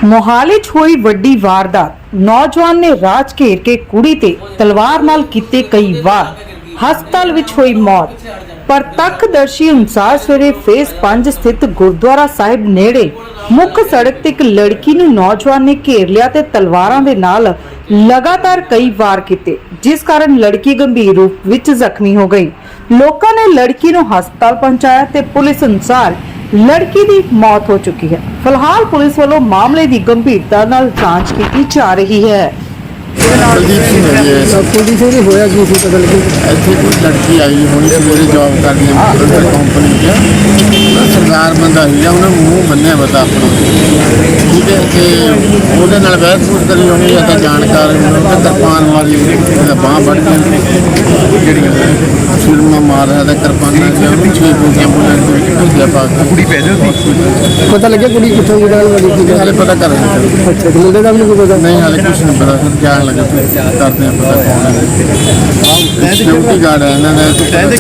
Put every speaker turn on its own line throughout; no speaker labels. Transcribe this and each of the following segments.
मोहाली च हुई वड्डी वारदात। नौजवान ने राज घेर के कुड़ी ते तलवार नाल कीते कई वार। हस्पताल विच हुई मौत। प्रत्यक्षदर्शी अनुसार सवेरे फेस 5 स्थित गुरुद्वारा साहिब नेड़े मुख सड़क ते एक लड़की नूं नौजवान ने घेर लिया ते तलवारां दे नाल लगातार कई वार कीते, जिस कारण लड़की गंभीर रूप विच जख्मी हो गई। लोकां ने लड़की नूं हस्पताल पहुंचाया ते पुलिस अनुसार लड़की की मौत हो चुकी है। फिलहाल पुलिस वालों मामले की गंभीरता नाल जांच की जा रही है।
कुलदीप सिंह है जी।
कुलदीप सिंह जी होया की सी पता लगी?
ਇੱਥੇ ਕੋਈ ਲੜਕੀ ਆਈ ਹੋਣੀ ਸਵੇਰੇ ਜੌਬ ਕਰਦੀ ਹੈ ਅੰਦਰ ਕੰਪਨੀ 'ਚ। ਉਹਦਾ ਸਰਦਾਰ ਬੰਦਾ ਸੀਗਾ, ਉਹਨੇ ਮੂੰਹ ਬੰਨਿਆ ਪਤਾ ਆਪਣਾ, ਠੀਕ ਹੈ, ਤੇ ਉਹਦੇ ਨਾਲ ਬਹਿਸ-ਬੂਸ ਕਰੀ ਹੋਣੀ ਜਾਂ ਤਾਂ ਜਾਣਕਾਰ ਉਹਨੇ ਕਿਰਪਾਨ ਮਾਰੀ, ਉਹਦਾ ਬਾਂਹ ਵੱਢ ਕੇ ਜਿਹੜੀਆਂ ਸਿਰਮਾ ਮਾਰ ਰਿਹਾ ਤਾਂ ਕਿਰਪਾਨਾਂ ਸੀ ਉਹਨੂੰ 6 ਫੁੱਟ ਐਂਬੂਲੈਂਸ ਦੇ ਵਿੱਚ ਭੇਜਿਆ ਪਾ ਕੇ। ਕੁੜੀ ਪੈ ਜਾਂਦੀ
ਪਤਾ ਲੱਗਿਆ ਕੁੜੀ ਕਿੱਥੋਂ ਦੀ ਰਹਿਣ ਵਾਲੀ ਸੀ?
ਹਾਲੇ ਪਤਾ ਕਰ ਰਹੇ ਹਾਂ।
ਅੱਛਾ, ਤੇ ਮੁੰਡੇ ਦਾ ਵੀ ਨਹੀਂ ਕੋਈ ਪਤਾ?
ਨਹੀਂ ਹਾਲੇ ਕੁਛ ਨਹੀਂ ਪਤਾ ਸਰ, ਜਾਣ ਲੱਗਾ ਕਰਦੇ ਹਾਂ ਪਤਾ ਕੌਣ ਹੈ। ਸਿਕਿਉਰਿਟੀ ਗਾਰਡ ਹੈ ਇਹਨਾਂ ਦਾ।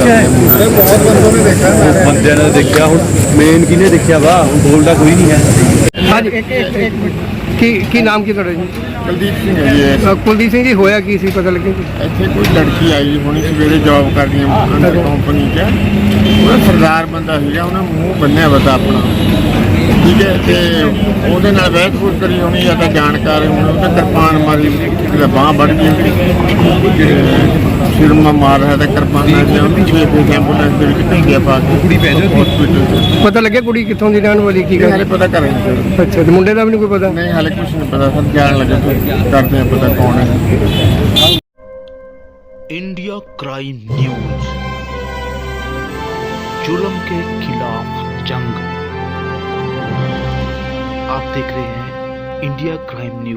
ਬੰਦਿਆਂ ਨੇ ਦੇਖਿਆ, ਹੁਣ ਮੇਨ ਕਿਹਨੇ ਦੇਖਿਆ ਵਾ, ਹੁਣ ਬੋਲਦਾ ਕੋਈ ਨਹੀਂ ਹੈ।
ਹਾਂਜੀ, ਕੀ ਨਾਮ ਕੀ ਤੁਹਾਡਾ ਜੀ?
ਕੁਲਦੀਪ ਸਿੰਘ ਹੈ ਜੀ।
ਕੁਲਦੀਪ ਸਿੰਘ ਜੀ ਹੋਇਆ ਕੀ ਸੀ ਪਤਾ ਲੱਗਿਆ?
ਇੱਥੇ ਕੋਈ ਲੜਕੀ ਆਈ ਹੋਣੀ ਸਵੇਰੇ ਜੌਬ ਕਰਦੀ ਹੈ ਅੰਦਰ ਕੰਪਨੀ 'ਚ। ਉਹਦਾ ਸਰਦਾਰ ਬੰਦਾ ਸੀਗਾ, ਉਹਨੇ ਮੂੰਹ ਬੰਨਿਆ ਪਤਾ ਆਪਣਾ, ਠੀਕ ਹੈ, ਤੇ ਉਹਦੇ ਨਾਲ ਬਹਿਸ-ਬੂਸ ਕਰੀ ਹੋਣੀ ਜਾਂ ਤਾਂ ਜਾਣਕਾਰ ਹੋਣੀ, ਉਹਨੇ ਕਿਰਪਾਨ ਮਾਰੀ, ਉਹਦਾ ਬਾਂਹ ਵੱਢ ਗਈ, ਸਿਰਮਾ ਮਾਰ ਰਿਹਾ ਤਾਂ ਕਿਰਪਾਨਾਂ ਸੀ ਉਹਨੂੰ 6 ਫੁੱਟ ਐਂਬੂਲੈਂਸ ਦੇ ਵਿੱਚ ਭੇਜਿਆ ਪਾ ਕੇ। ਕੁੜੀ ਪੈ ਜਾਂਦੀ ਹਸਪੀਟਲ 'ਚ।
ਪਤਾ ਲੱਗਿਆ ਕੁੜੀ ਕਿੱਥੋਂ ਦੀ ਰਹਿਣ ਵਾਲੀ ਕੀ
ਹਾਲੇ ਪਤਾ ਕਰ ਰਹੇ ਹਾਂ ਸਰ।
ਅੱਛਾ, ਤੇ ਮੁੰਡੇ ਦਾ ਵੀ ਨਹੀਂ ਕੋਈ ਪਤਾ?
ਨਹੀਂ ਹਾਲੇ ਕੁਛ ਨਹੀਂ ਪਤਾ ਸਰ, ਜਾਣ ਲੱਗੇ ਕਰਦੇ ਹਾਂ ਪਤਾ ਕੌਣ ਹੈ।
इंडिया क्राइम न्यूज, जुल्म के खिलाफ जंग। आप देख रहे हैं इंडिया क्राइम न्यूज।